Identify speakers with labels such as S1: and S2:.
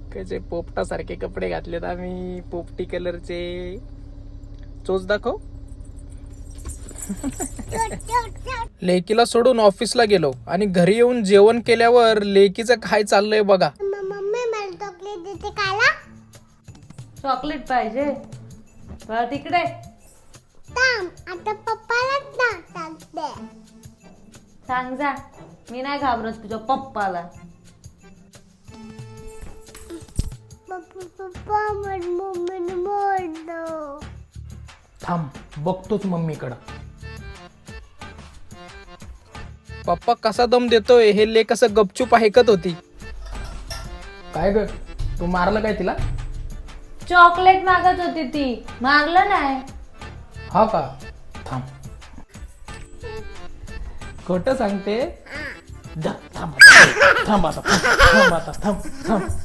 S1: कसे पोपटासारखे कपडे घातलेत आम्ही, पोपटी कलरचे. चोच दाखव. लेकीला सोडून ऑफिसला गेलो आणि घरी येऊन जेवण केल्यावर लेकीचं काय चाललंय बघा.
S2: मम्मी मला चॉकलेट देते खायला.
S3: चॉकलेट पाहिजे बरं तिकडे
S2: थांब, आता पप्पालाच सांगते.
S3: सांग जा, मी नाही घाबरत तुझ्या पप्पाला.
S2: पप्पा मम्मीने बोललो.
S1: थांब बघतोच मम्मीकडं. पप्पा कसा दम देतोय हे लेक कसं गपचूप ऐकत होती. काय ग, तू मारलं काय तिला?
S3: चॉकलेट मागत होती ती, मागलं नाही.
S1: हा का? थांब. खोटं सांगते. जा, थांब आता, थांब आता, थांब आता, थांब थांब.